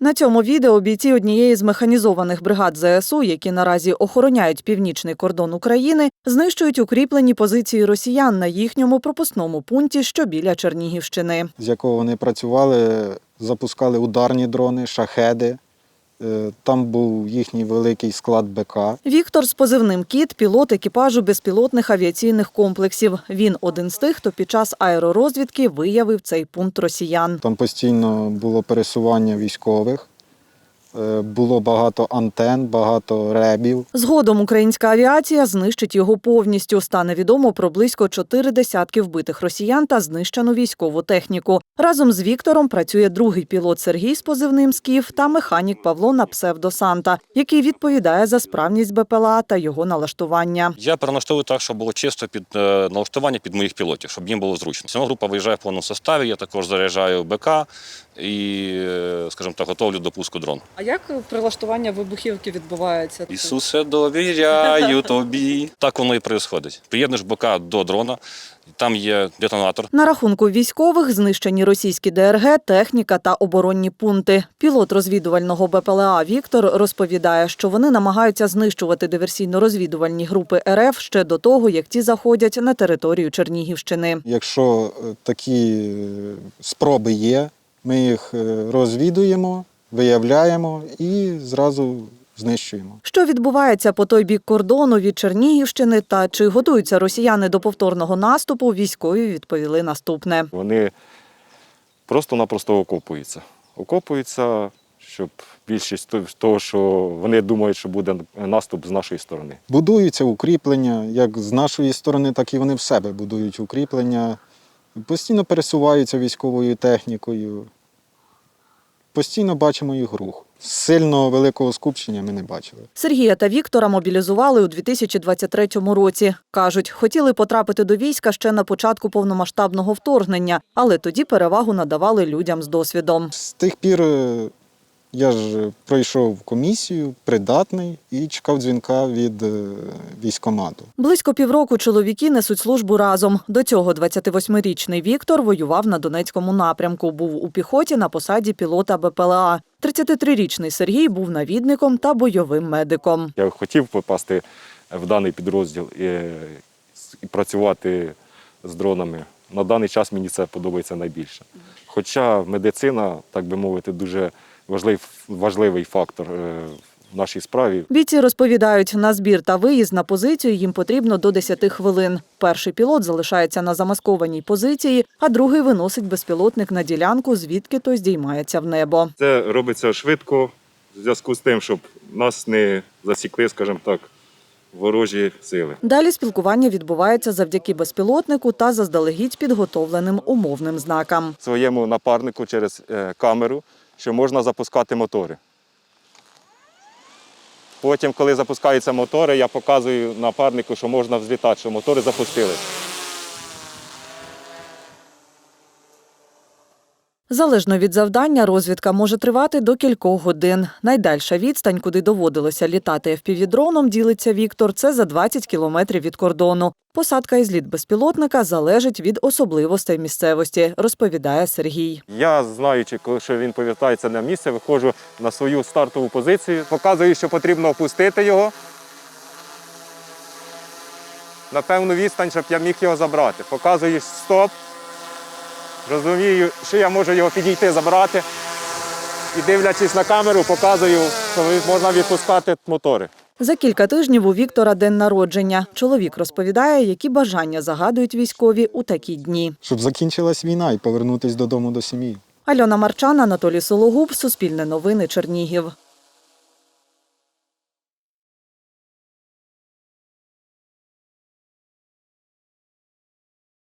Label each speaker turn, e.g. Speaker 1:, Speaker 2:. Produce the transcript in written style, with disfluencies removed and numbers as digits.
Speaker 1: На цьому відео бійці однієї з механізованих бригад ЗСУ, які наразі охороняють північний кордон України, знищують укріплені позиції росіян на їхньому пропускному пункті, що біля Чернігівщини.
Speaker 2: З якого вони працювали, запускали ударні дрони, шахеди. Там був їхній великий склад БК.
Speaker 1: Віктор з позивним «Кіт» – пілот екіпажу безпілотних авіаційних комплексів. Він один з тих, хто під час аеророзвідки виявив цей пункт росіян.
Speaker 2: Там постійно було пересування військових, було багато антен, багато ребів.
Speaker 1: Згодом українська авіація знищить його повністю. Стане відомо про близько 40 вбитих росіян та знищену військову техніку. Разом з Віктором працює другий пілот Сергій з позивним «Скіф» та механік Павло на псевдо «Санта», який відповідає за справність БПЛА та його налаштування.
Speaker 3: Я переналаштовую так, щоб було чисто під налаштування під моїх пілотів, щоб їм було зручно. Сама група виїжджає в повному составі, я також заряджаю БК і, скажімо так, готовлю до пуску дрон.
Speaker 4: А як прилаштування вибухівки відбувається?
Speaker 3: Ісусе, довіряю тобі. Так воно і відбувається. Приєднуєш БК до дрона, там є детонатор.
Speaker 1: На рахунку військових знищені російські ДРГ, техніка та оборонні пункти. Пілот розвідувального БПЛА Віктор розповідає, що вони намагаються знищувати диверсійно-розвідувальні групи РФ ще до того, як ті заходять на територію Чернігівщини.
Speaker 2: Якщо такі спроби є, ми їх розвідуємо, виявляємо і зразу знищуємо.
Speaker 1: Що відбувається по той бік кордону від Чернігівщини та чи готуються росіяни до повторного наступу, військові відповіли наступне.
Speaker 5: Вони просто-напросто окопуються. Окопуються, щоб більшість того, що вони думають, що буде наступ з нашої сторони.
Speaker 2: Будуються укріплення, як з нашої сторони, так і вони в себе будують укріплення. Постійно пересуваються військовою технікою. Постійно бачимо їх рух. Сильно великого скупчення ми не бачили.
Speaker 1: Сергія та Віктора мобілізували у 2023 році. Кажуть, хотіли потрапити до війська ще на початку повномасштабного вторгнення, але тоді перевагу надавали людям з досвідом.
Speaker 2: З тих пір я ж пройшов комісію, придатний, і чекав дзвінка від військкомату.
Speaker 1: Близько півроку чоловіки несуть службу разом. До цього 28-річний Віктор воював на Донецькому напрямку, був у піхоті на посаді пілота БПЛА. 33-річний Сергій був навідником та бойовим медиком.
Speaker 5: Я хотів попасти в даний підрозділ і працювати з дронами. На даний час мені це подобається найбільше. Хоча медицина, так би мовити, дуже важливий фактор в нашій справі.
Speaker 1: Бійці розповідають, на збір та виїзд на позицію їм потрібно до 10 хвилин. Перший пілот залишається на замаскованій позиції, а другий виносить безпілотник на ділянку, звідки той здіймається в небо.
Speaker 5: Це робиться швидко, в зв'язку з тим, щоб нас не засікли, скажімо так, ворожі сили.
Speaker 1: Далі спілкування відбувається завдяки безпілотнику та заздалегідь підготовленим умовним знакам.
Speaker 5: Своєму напарнику через камеру, що можна запускати мотори. Потім, коли запускаються мотори, я показую напарнику, що можна взлітати, що мотори запустились.
Speaker 1: Залежно від завдання, розвідка може тривати до кількох годин. Найдальша відстань, куди доводилося літати FPV-дроном, ділиться Віктор, це за 20 кілометрів від кордону. Посадка і зліт безпілотника залежить від особливостей місцевості, розповідає Сергій.
Speaker 5: Я, знаючи, що він повертається на місце, виходжу на свою стартову позицію, показую, що потрібно опустити його на певну відстань, щоб я міг його забрати. Показую стоп, розумію, що я можу його підійти, забрати. І дивлячись на камеру, показую, що можна відпускати мотори.
Speaker 1: За кілька тижнів у Віктора день народження. Чоловік розповідає, які бажання загадують військові у такі дні.
Speaker 2: Щоб закінчилась війна і повернутися додому до сім'ї.
Speaker 1: Альона Марчан, Анатолій Сологуб, Суспільне новини, Чернігів.